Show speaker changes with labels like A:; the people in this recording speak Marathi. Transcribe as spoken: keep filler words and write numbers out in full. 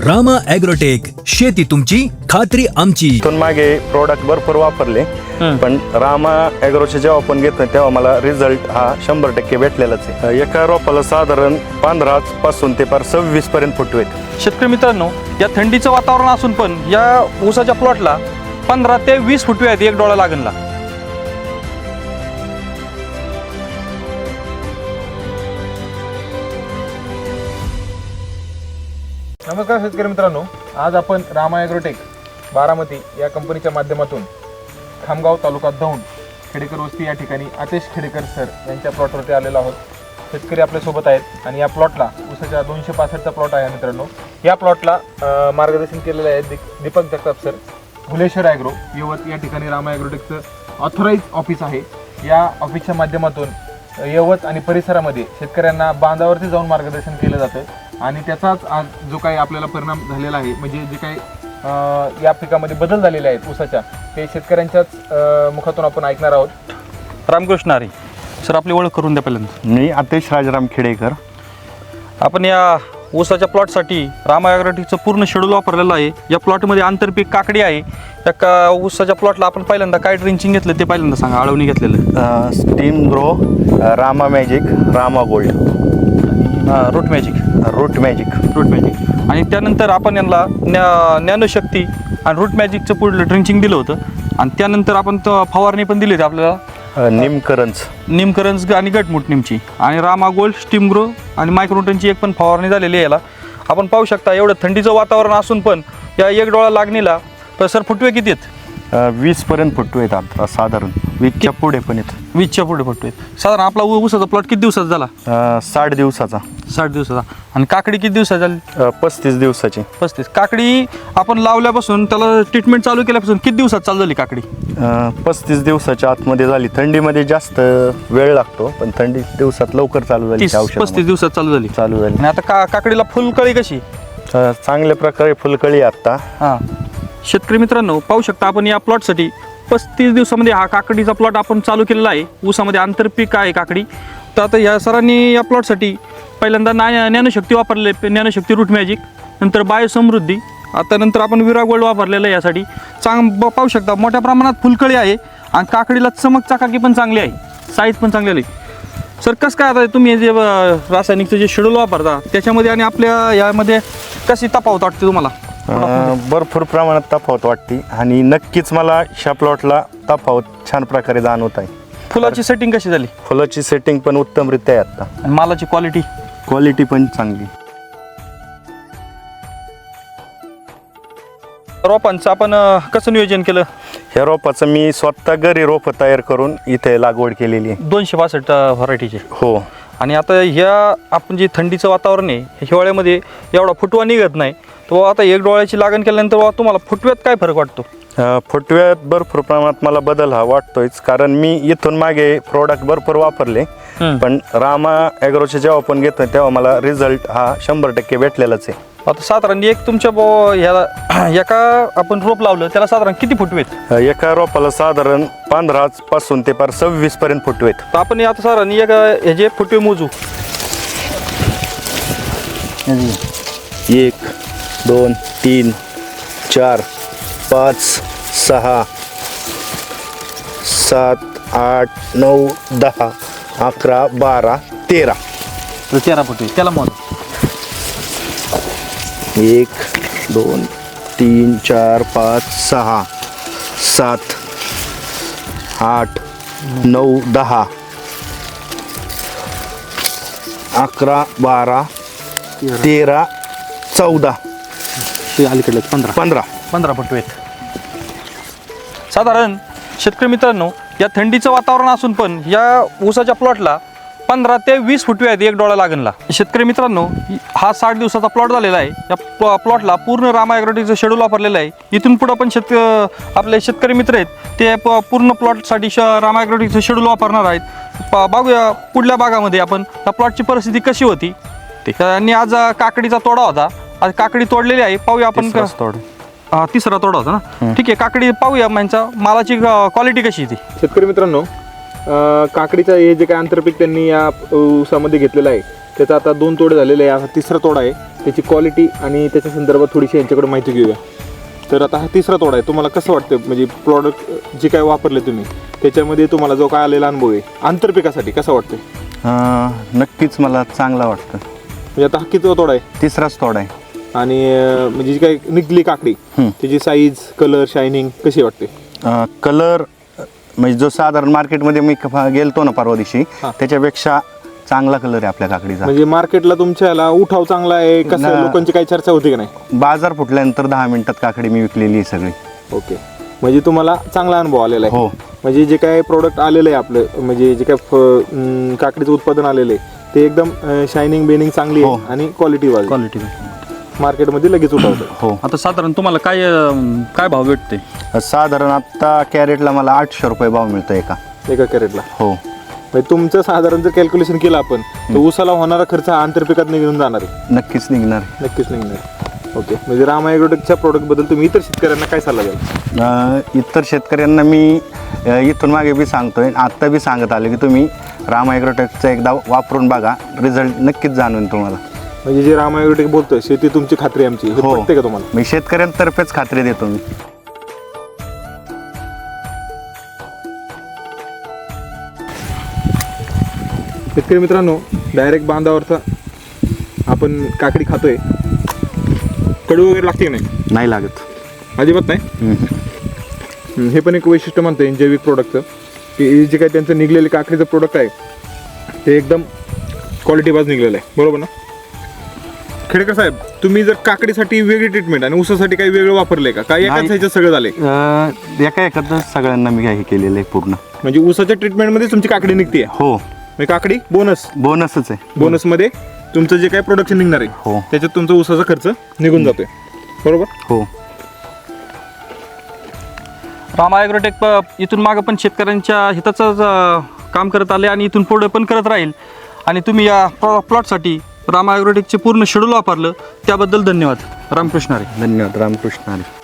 A: रामा ॲग्रोटेक, शेती तुमची खात्री आमची.
B: इथून मागे प्रोडक्ट भरपूर वापरले, पण रामा ॲग्रोचे जेव्हा आपण घेतो तेव्हा मला रिझल्ट हा शंभर टक्के भेटलेलाच आहे. एका रोपाला साधारण पंधरा पासून ते पार सव्वीस पर्यंत फुटवेत.
C: शेतकरी मित्रांनो, या थंडीचं वातावरण असून पण या ऊसाच्या प्लॉटला पंधरा ते वीस फुटवे आहेत एक डोळा लागणला.
D: नमस्कार शेतकरी मित्रांनो, आज आपण रामा ॲग्रोटेक बारामती या कंपनीच्या माध्यमातून खामगाव तालुका दौंड खेडेकर वस्ती या ठिकाणी आतिश खेडेकर सर यांच्या प्लॉटवरती आलेलो आहोत. शेतकरी आपल्यासोबत आहेत आणि या प्लॉटला ऊसाच्या दोनशे पासष्टचा प्लॉट आहे मित्रांनो. या प्लॉटला मार्गदर्शन केलेलं आहे the Deepak Jagtap sir, Bhuleshwar agro Yavat या ठिकाणी रामा ॲग्रोटेकचं ऑथराईज ऑफिस आहे. या ऑफिसच्या माध्यमातून यवत आणि परिसरामध्ये शेतकऱ्यांना बांधावरती जाऊन मार्गदर्शन केलं जातं आणि त्याचाच आज जो काही आपल्याला परिणाम झालेला आहे, म्हणजे जे काही या पिकामध्ये बदल झालेले आहेत ऊसाच्या, ते शेतकऱ्यांच्याच मुखातून आपण ऐकणार आहोत.
C: रामकृष्ण हरी सर, आपली ओळख करून द्या पहिल्यांदा.
B: मी आतिश राजाराम खेडेकर.
C: आपण या ऊसाच्या प्लॉटसाठी रामा ॲग्रोटेकचं पूर्ण शेड्यूल वापरलेलं आहे. या प्लॉटमध्ये आंतरपीक काकडी आहे. या का ऊसाच्या प्लॉटला आपण पहिल्यांदा काय ड्रिंचिंग घेतलं ते पहिल्यांदा सांगा. आळवणी घेतलेलं
B: steam grow, Rama magic, Rama gold,
C: root magic
B: root magic
C: root magic आणि त्यानंतर आपण यांना न्या ज्ञानशक्ती आणि रूट मॅजिकचं पुढलं ड्रिंचिंग दिलं होतं. आणि त्यानंतर आपण तो फवारणी पण दिली होती आपल्याला,
B: निमकरंज
C: निमकरंज आणि गटमुट निमची, आणि रामा गोल्ड, स्टीम ग्रो आणि मायक्रोटनची एक पण फवारणी झालेली आहे. याला आपण पाहू शकता एवढं थंडीचं वातावरण असून पण या एक डोळा लागणीला तर सर फुटवे किती आहेत?
B: वीस पर्यंत फुटवे येतात साधारण, वीसच्या पुढे पण येत.
C: वीसच्या पुढे फुटवे आहेत. साधारण आपला ऊ- ऊसाचा प्लॉट किती दिवसाचा झाला?
B: साठ दिवसाचा.
C: साठ दिवसाचा. आणि काकडी किती दिवसाची झाली?
B: पस्तीस दिवसाची.
C: पस्तीस. काकडी आपण लावल्यापासून त्याला ट्रीटमेंट चालू केल्यापासून किती दिवसात चालू झाली काकडी?
B: पस्तीस दिवसाच्या आतमध्ये झाली. थंडीमध्ये जास्त वेळ लागतो, पण थंडी दिवसात लवकर चालू झाली.
C: तीस पस्तीस दिवसात चालू झाली
B: चालू झाली.
C: आणि आता का काकडीला फुलकळी कशी?
B: अ, चांगल्या प्रकारे फुलकळी आता.
C: हां, शेतकरी मित्रांनो पाहू शकता आपण या प्लॉटसाठी पस्तीस दिवसामध्ये हा काकडीचा प्लॉट आपण चालू केलेला आहे. ऊसामध्ये आंतरपीक आहे काकडी. तर आता या सरांनी या प्लॉटसाठी पहिल्यांदा ना ज्ञानशक्ती वापरले, ज्ञानशक्ती रूट मॅजिक, नंतर बायोसमृद्धी, आता नंतर आपण विरा गोल्ड वापरलेलं आहे. यासाठी चांग ब- पाहू शकता मोठ्या प्रमाणात फुलकळी आहे आणि काकडीला चमक चकाकी पण चांगली आहे, साईज पण चांगली आहे. सर कसं काय आता तुम्ही जे अ, रासायनिकचं जे शेड्यूल वापरता त्याच्यामध्ये आणि आपल्या यामध्ये कशी तफावत वाटते तुम्हाला?
B: अ, भरपूर प्रमाणात तफावत वाटते आणि नक्कीच मला ह्या प्लॉटला तफावत छान प्रकारे जाणवत आहे.
C: फुलाची सेटिंग कशी झाली?
B: फुलाची सेटिंग पण उत्तमरित्या आहे आता.
C: आणि मालाची क्वालिटी?
B: क्वालिटी पण चांगली.
C: रोपांचं आपण अ, कसं नियोजन केलं?
B: ह्या रोपाचं मी स्वतः घरी रोपं तयार करून इथे लागवड केलेली आहे.
C: दोनशे बासष्ट व्हरायटीचे.
B: हो.
C: आणि आता ह्या आपण जे थंडीचं वातावरण आहे, हिवाळ्यामध्ये एवढा फुटवा निघत नाही. तो आता एक डोळ्याची लागण केल्यानंतर बाबा तुम्हाला फुटव्यात काय फरक वाटतो?
B: अ, फुटव्यात भरपूर प्रमाणात मला बदल हा वाटतोयच, कारण मी इथून मागे प्रोडक्ट भरपूर वापरले, पण रामा ॲग्रोचे जेव्हा आपण घेतो तेव्हा मला रिझल्ट हा शंभर टक्के भेटलेलाच आहे.
C: आता साधारण एक तुमच्या बो ह्याला एका आपण रोप लावलं त्याला साधारण किती फुटवेत?
B: अ, एका रोपाला साधारण पंधरा पासून ते पार सव्वीस पर्यंत फुटवेत.
C: तर आपण आता साधारण एक ह्याचे फुटवे मोजू.
B: एक, दोन, तीन, चार, पाच, सहा, सात, आठ, नऊ, दहा, अकरा, बारा, तेरा.
C: तर तेरा फुटवे त्याला मोज.
B: एक, दोन, तीन, चार, पाच, सहा, सात, आठ, नऊ, दहा, अकरा, बारा, तेरा, चौदा,
C: अलीकडे पंधरा
B: पंधरा.
C: पंधरा फुटवेत. साधारण शेतकरी मित्रांनो, या थंडीचं वातावरण असून पण या ऊसाच्या प्लॉटला पंधरा ते वीस फुटवे आहेत एक डोळा लागणला. शेतकरी मित्रांनो, हा साठ दिवसाचा प्लॉट झालेला आहे. या प्लॉटला पूर्ण रामा ॲग्रोटेकचं शेड्यूल वापरलेलं आहे. इथून पुढं पण शेतक आपले शेतकरी मित्र आहेत ते प पूर्ण प्लॉटसाठी श रामा ॲग्रोटेकचं शेड्यूल वापरणार आहेत. प बघूया पुढल्या भागामध्ये आपण त्या प्लॉटची परिस्थिती कशी होती ते. आणि आज काकडीचा तोडा होता, आज काकडी तोडलेली आहे. पाहूया आपण.
B: तोड
C: हा तिसरा तोडा होता ना. ठीक आहे, काकडी पाहूया यांचा मालाची क्वालिटी कशी आहे ती.
D: शेतकरी मित्रांनो, अं, काकडीचं हे जे काय आंतरपीक त्यांनी या ऊसामध्ये घेतलेलं आहे त्याचा आता दोन तोडे झालेले आहे, हा तिसरा तोडा आहे. त्याची क्वालिटी आणि त्याच्या संदर्भात थोडीशी यांच्याकडे माहिती घेऊया. तर आता हा तिसरा तोडा आहे. तुम्हाला कसं वाटतं म्हणजे प्रॉडक्ट जे काय वापरले तुम्ही त्याच्यामध्ये तुम्हाला जो काय आलेला अनुभव आहे आंतरपिकासाठी कसा वाटतं?
B: अं, नक्कीच मला चांगला वाटतं.
D: म्हणजे आता हा कितवा तोडा आहे
B: तिसराच तोडा आहे.
D: आणि अं, म्हणजे जी काही निघली काकडी
B: हं.
D: त्याची साईज कलर शायनिंग कशी वाटते?
B: कलर म्हणजे जो साधारण मार्केटमध्ये मी क- गेलतो ना परवा दिवशी
D: हा.
B: त्याच्यापेक्षा चांगला कलर आहे आपल्या काकडीचा.
D: म्हणजे मार्केटला तुमच्याला उठाव चांगला आहे कसं,
B: ना-
D: लोकांची काही चर्चा होती की नाही?
B: बाजार फुटल्यानंतर दहा मिनिटात काकडी मी विकलेली आहे सगळी.
D: ओके, म्हणजे तुम्हाला चांगला अनुभव आलेला आहे.
B: हो.
D: म्हणजे जे काय प्रोडक्ट आलेलं आहे आपलं म्हणजे जे काय फ- अं, काकडीचं उत्पादन आलेलं आहे ते एकदम शायनिंग बेनिंग चांगली आहे
B: हो.
D: आणि क्वालिटी वाईज
C: क्वालिटी.
D: मार्केटमध्ये लगेच उठावतं.
B: हो.
C: आता साधारण तुम्हाला काय अं, काय भाव भेटते?
B: साधारण आता कॅरेटला मला आठशे रुपये भाव मिळतो एका.
D: एका कॅरेटला.
B: हो.
D: म्हणजे तुमचं साधारण जर कॅल्क्युलेशन केलं आपण तर ऊसाला होणारा खर्च हा आंतरपिकात निघून जाणार आहे.
B: नक्कीच निघणार.
D: नक्कीच निघणार. ओके, म्हणजे रामा ॲग्रोटेकच्या प्रोडक्टबद्दल तुम्ही इतर शेतकऱ्यांना काय सल्ला द्याल?
B: अ, इतर शेतकऱ्यांना मी अ, इथून मागे बी सांगतोय आत्ता बी सांगत आलो की तुम्ही रामा ॲग्रोटेकचं एकदा वापरून बघा, रिझल्ट नक्कीच जाणवेल तुम्हाला.
D: म्हणजे जे रामा ॲग्रोटेक बोलतोय शेती तुमची खात्री आमची, हे
B: हो.
D: पटते का तुम्हाला?
B: मी शेतकऱ्यांतर्फेच खात्री देतो मी.
D: शेतकरी मित्रांनो, डायरेक्ट बांधावरचा आपण काकडी खातोय, कडू वगैरे लागते की नाही?
B: नाही लागत.
D: अजिबात नाही.
B: हम्म.
D: हम्म, हे पण एक वैशिष्ट्य म्हणता येईल जैविक प्रोडक्टचं की हे जे काही त्यांचं निघलेलं काकडीचं प्रोडक्ट आहे ते एकदम क्वालिटी बाज निघलेलं आहे. बरोबर ना? खेडेकर साहेब, तुम्ही जर काकडीसाठी वेगळी ट्रीटमेंट आणि ऊसासाठी काही वेगळं वापरलंय का? काय एकाच
B: नाही.
D: ह्याच्यात सगळं झालंय?
B: अ, एका एखादं सगळ्यांना मी हे केलेलं आहे पूर्ण.
D: म्हणजे ऊसाच्या ट्रीटमेंटमध्ये तुमची काकडी निघते.
B: हो.
D: म्हणजे काकडी बोनस
B: बोनसच आहे.
D: बोनसमध्ये तुमचं जे काही प्रोडक्शन निघणार आहे
B: हो.
D: त्याच्यात तुमचा ऊसाचा खर्च निघून जातोय. बरोबर?
B: हो.
C: रामा ॲग्रोटेक प- इथून मागं पण शेतकऱ्यांच्या हिताचं अं, काम करत आले आणि इथून पुढे पण करत राहील. आणि तुम्ही या प्लॉ प्लॉटसाठी रामा ॲग्रोटेकचे पूर्ण शेड्यूल वापरलं त्याबद्दल धन्यवाद. रामकृष्ण हरी.
B: धन्यवाद. रामकृष्ण हरी.